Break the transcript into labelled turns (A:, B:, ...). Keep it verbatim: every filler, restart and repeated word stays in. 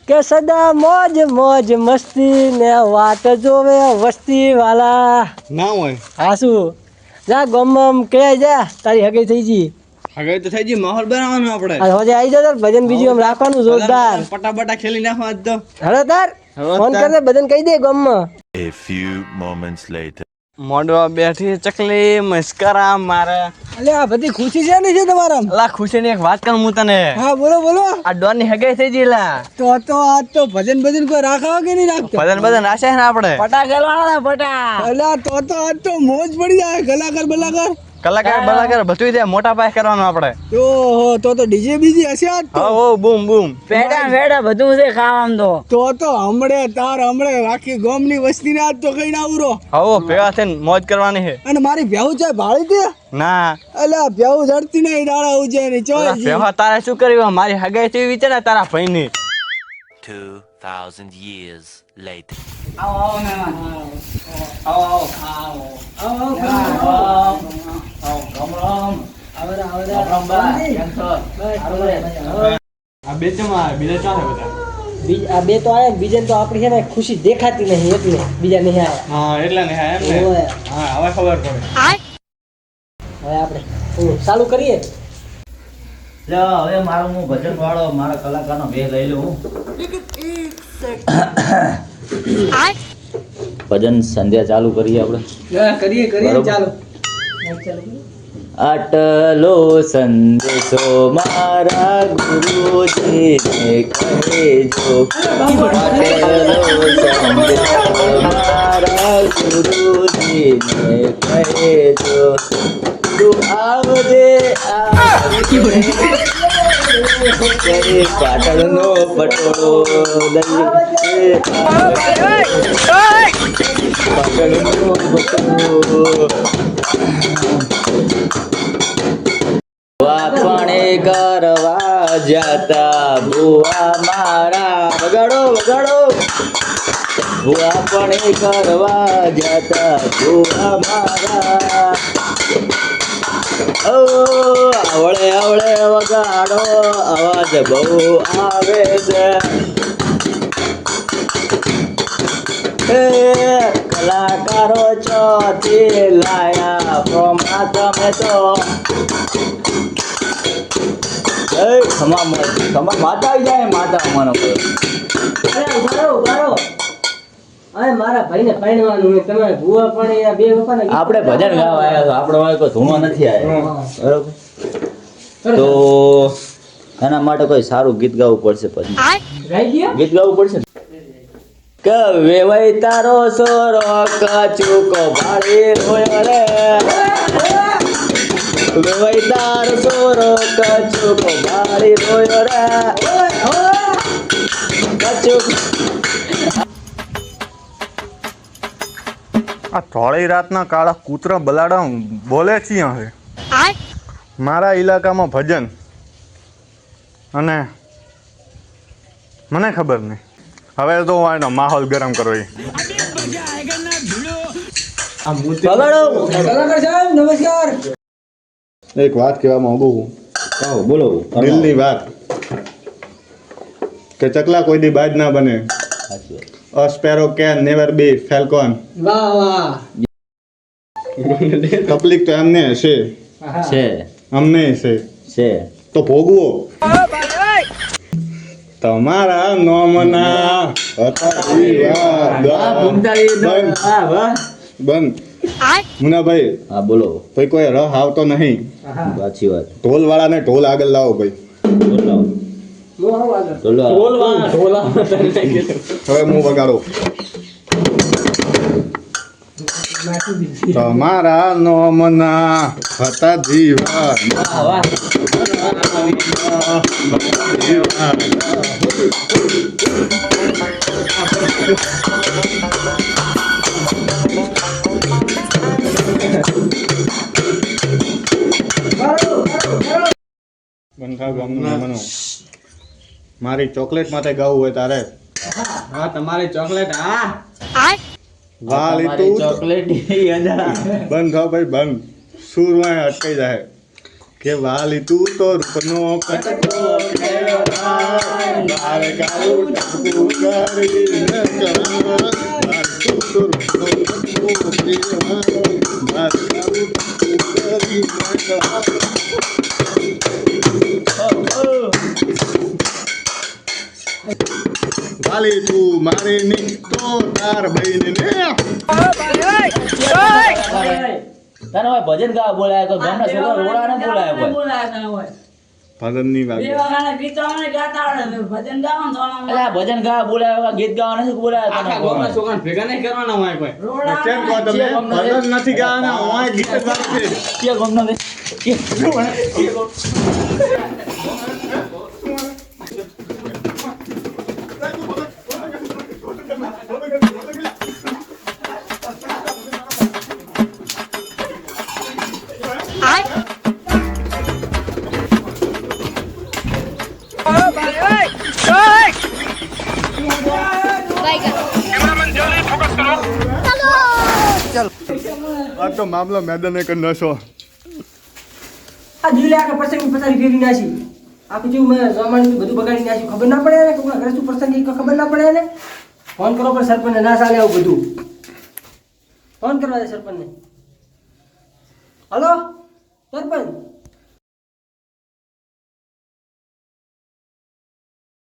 A: કે સદા મોજ મોજ મસ્તી ને વાત જોવે વસ્તી વાલા
B: ના હોય
A: હા શું જા ગમમ કે જા તારી હગઈ થઈ ગઈ
B: હવે તો થઈ ગઈ માહોલ બનાવવાનો આપણે
A: આ હોજે આવી જા ભજન બીજું આમ રાખવાનું જોરદાર
B: પટાપટા ખેલી નાખવા આજ તો
A: હલો તાર ફોન કરજે બધાને કહી દે ગમમાં
C: A few moments later.
B: મોડવા બેઠી ચકલી મસ્કરા મારે
A: અલે આ બધી ખુશી છે ને છે તમારા
B: અલા ખુશી ની એક વાત કરું હું તને
A: હા બોલો બોલો
B: આ ડોન ની હગાઈ થઈ ગઈ લા
A: તો તો આજ તો ભજન ભજન કોઈ રાખાવ કે નહીં રાખતો
B: ભજન ભજન રાશે ને આપણે
A: પટા ગલવાના પટા અલા તો તો આજ તો મોજ પડી જાય કલાકાર બલાકાર
B: કલાકાર બલાકાર બધું દે મોટા પાયે કરવાનું આપણે
A: ઓહો તો તો ડીજે બીજી હશે આજ તો
B: હા ઓ બૂમ બૂમ
A: પેડા પેડા બધું છે ખાવાનું તો તો તો હમણે તાર હમણે આખી ગામની વસ્તીને આજ તો કઈ ના આવરો
B: હો ભેગા થઈને મોજ કરવાની છે
A: અને મારી ભેહું છે ભાળી દે
B: ના
A: અલા ભેહું જડતી નહીં દાડા ઉજે ની ચોય
B: ભેગા તારે શું કર્યું મારી હગાઈ થઈ વિચાર ને તારા ભાઈની
C: Two thousand years later.
B: આવો આવો મહેમાન આવો આવો આવો આવો
A: આવરા આવરા
B: આ બે ચમા બીજા ચાલે બધા
A: બીજ આ બે તો આયા બીજા તો આપણી છે ને ખુશી દેખાતી નહીં એટલે બીજા નહીં આયા
B: હા એટલે ને હા એમ ને
A: ઓય.
B: હા હવે ખબર પડે
A: હવે આપણે હું ચાલુ કરીએ
D: લે હવે મારો હું ભજન વાળો મારા કલાકારનો ભેગ લઈ લઉં ભજન સંધ્યા ચાલુ કરીએ આપણે
A: કરીએ કરીએ
D: બરોબર.
A: ચાલો
D: આટલો સંદેશો મારા ગુરુજીને કહેજો આટલો સંદેશો મારા ગુરુજીને કહેજો તું આવજે આવજે કરે પાટણનો પટોળો લઈ પાટણનો પટોળો વાપણે કરવા જતા ભુવા મારા વગાડો વગાડો વાપણે કરવા જતા ભુવા મારા ઓ આવળે આવળે વગાડો અવાજ બહુ આવે છે હે કલાકારો ચોથી લાયા પ્રોમા તમે તો એ ખમા ખમા માતા આવી જાય માતા અમારો
A: અરે ઉભારો ઉભારો અરે મારા ભાઈને પરણવાનું છે તમારે ભૂવા પણ એ બે વખત
D: આપણે ભજન ગાવા આવ્યા છો આપણો વાળો કોઈ ધૂણો નથી આવ્યો બરોબર તો એના માટે કોઈ સારું ગીત ગાવું પડશે પછી
A: ગાઈ ગયા
D: ગીત ગાવું પડશે કે વેવાઈ તારો સોરો કચુકો ભાળી રોયો રે વેવાઈ તારો સોરો કચુકો ભાળી રોયો રે કચુક
E: આ થોડી રાતના કાળા કૂતરા બલાડા બોલે છે હવે મારા ઇલાકામાં ભજન અને મને ખબર નહીં હવે તો એનો માહોલ ગરમ કરવો
A: કલાકાર સાહેબ નમસ્કાર
E: એક વાત કહેવા માંગુ
D: કહો બોલો
E: દિલની વાત કે ચકલા કોઈ દી બાજ ના બને A sparrow can never be falcon.
A: વાહ વાહ
E: તકલીફ તો એમને હશે
D: છે
E: અમને હશે
D: છે
E: તો ભોગવો તમારા નોમના હતા જીવા
D: વાહ ભૂમતાળી
E: બંધ
D: વાહ વાહ
E: બંધ મુનાભાઈ
D: હા બોલો
E: ભાઈ કોઈ રહ આવતો નહીં
D: સાચી વાત
E: ઢોલ વાળાને ઢોલ આગળ લાવો ભાઈ
D: બોલો બોલો
E: હવે હું વગાડો તમારા નોમના હતા જીવા
D: વાહ વાહ
E: બંધા ગામનું મહેમાનો મારી ચોકલેટ માટે ગાવું હોય તારે
B: હા તમારી ચોકલેટ હા
E: વાલી
D: તમારી
E: તું
D: ચોકલેટ ઈ અંધા
E: બંધ થો ભાઈ બંધ સુર માં અટકાઈ જાય કે વાલી તું તો રૂપનો કટકો કેળવાય, બાર ગાઉં ટપકું કરીને કરાય. વાલી તું તો રૂપનો કટકો કેળવાય, બાર ગાઉં ટપકું કરીને કરાય. વાલી તું મારી નીકતો તાર બહેન ને
D: તને હોય ભજન ગાવા બોલાય તો ગામના છોકરા રોડા ને બોલાય કોઈ
B: બોલાયા હોય
E: ભજનની વાત
B: બે વાળા ગીતો મને ગાતા આવડે ભજન ગાવાનું તો
D: એટલે આ ભજન ગાવા બોલાય ગીત ગાવા નથી બોલાય
B: આખા ગામના છોકરાને ભેગા નહીં કરવાના હોય કોઈ
E: કેમ કહો તમે ભજન નથી ગાવાના હોય ગીત ગાશે
D: કે ગામનો કે
E: આ તો મામલો મેદાને કર નશો
A: આ દિલે આખા પ્રસંગ પસારી ફેરી નાખી આખું જેવું મેં જમાડી બધું બગાડી નાખ્યું ખબર ના પડે ને કોઈના ઘરે શું પ્રસંગ એ ખબર ના પડે ને ફોન કરો પણ સરપંચને ના ચાલે આવું બધું ફોન કરવા દે સરપંચને હલો સરપંચ